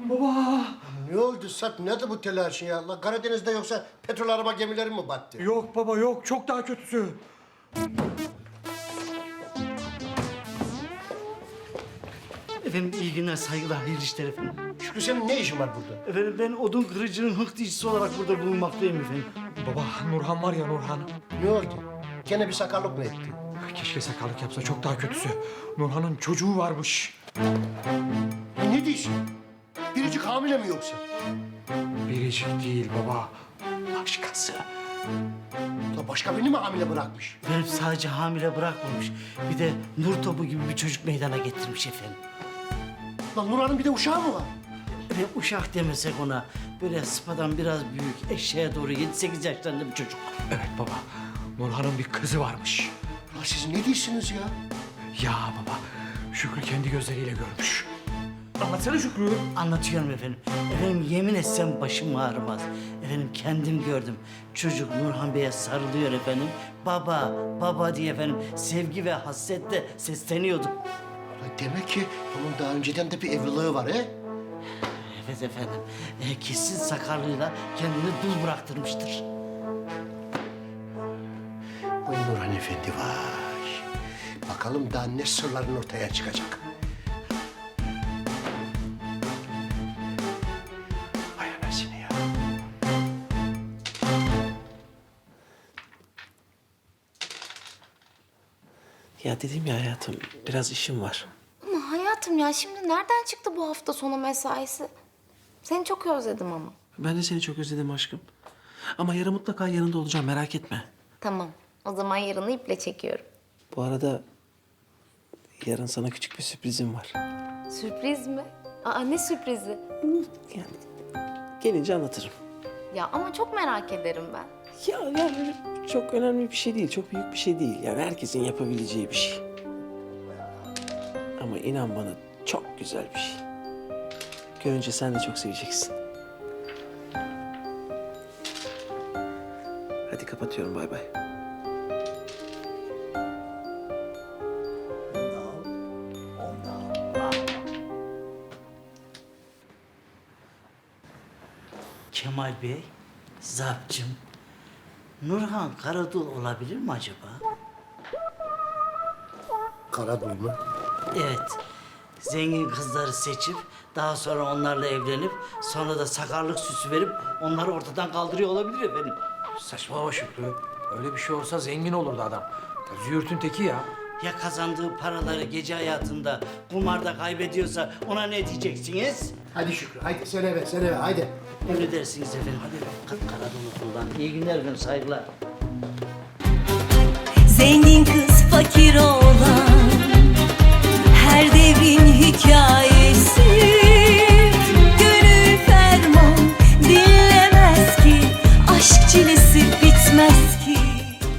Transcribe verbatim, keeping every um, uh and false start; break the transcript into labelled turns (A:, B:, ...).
A: Baba!
B: Ne oldu Sarp? Nedir bu telaşın ya? Allah, Karadeniz'de yoksa petrol araba gemileri mi battı?
A: Yok baba yok, çok daha kötüsü.
C: Efendim iyi günler, saygılar, hayırlı işler efendim.
B: Şükrü, senin ne işin var burada?
C: Efendim ben odun kırıcının hıktıyıcısı olarak burada bulunmaktayım efendim.
A: Baba, Nurhan var ya Nurhan.
B: Ne oldu? Gene bir sakarlık mı etti?
A: Keşke sakarlık yapsa, çok daha kötüsü. Nurhan'ın çocuğu varmış.
B: Ya ne diyorsun? Biricik hamile mi yoksa?
A: Biricik değil baba, başkası.
B: Ya başka birini mi hamile bırakmış?
C: Efendim sadece hamile bırakmamış. Bir de nur topu gibi bir çocuk meydana getirmiş efendim.
B: Lan Nurhan'ın bir de uşağı mı var?
C: Efendim uşak demesek ona, böyle sıpadan biraz büyük, eşeğe doğru yedi sekiz yaşlarında bir çocuk.
A: Evet baba, Nurhan'ın bir kızı varmış.
B: Lan siz ne diyorsunuz ya?
A: Ya baba, Şükrü kendi gözleriyle görmüş. Anlatsana Şükrü.
C: Anlatıyorum efendim. Efendim yemin etsem başım ağrımaz. Efendim kendim gördüm. Çocuk Nurhan Bey'e sarılıyor efendim. Baba, baba diye efendim sevgi ve hasretle sesleniyordu.
B: Lan demek ki bunun daha önceden de bir evliliği var he?
C: Evet efendim. E, kesin sakarlığıyla kendini dul bıraktırmıştır.
B: Vay Nurhan Efendi vay. Bakalım daha ne sırların ortaya çıkacak. Vay anasını ya.
D: Ya dedim ya hayatım, biraz işim var.
E: Ama hayatım ya şimdi nereden çıktı bu hafta sonu mesaisi? Seni çok özledim ama.
D: Ben de seni çok özledim aşkım. Ama yarın mutlaka yanında olacağım, merak etme.
E: Tamam. O zaman yarını iple çekiyorum.
D: Bu arada yarın sana küçük bir sürprizim var.
E: Sürpriz mi? Aa ne sürprizi?
D: Yani gelince anlatırım.
E: Ya ama çok merak ederim ben.
D: Ya, ya böyle çok önemli bir şey değil, çok büyük bir şey değil. Yani herkesin yapabileceği bir şey. Ama inan bana çok güzel bir şey. Görünce sen de çok seveceksin. Hadi kapatıyorum, bay bay.
C: Kemal Bey, Zapcım, Nurhan Karadul olabilir mi acaba?
B: Karadul mu?
C: Evet. Zengin kızları seçip daha sonra onlarla evlenip sonra da sakarlık süsü verip onları ortadan kaldırıyor olabilir efendim.
A: Saçmalama Şükrü. Öyle bir şey olsa zengin olurdu adam. Züğürtün teki ya.
C: Ya kazandığı paraları gece hayatında kumarda kaybediyorsa ona ne diyeceksiniz?
B: Hadi Şükrü, hadi sen eve, sen eve, hadi.
C: Emredersiniz efendim. Hadi Karadul okuldan. İyi günler efendim, saygılar.
F: Zengin kız fakir oğlan, her devrin hikayesi.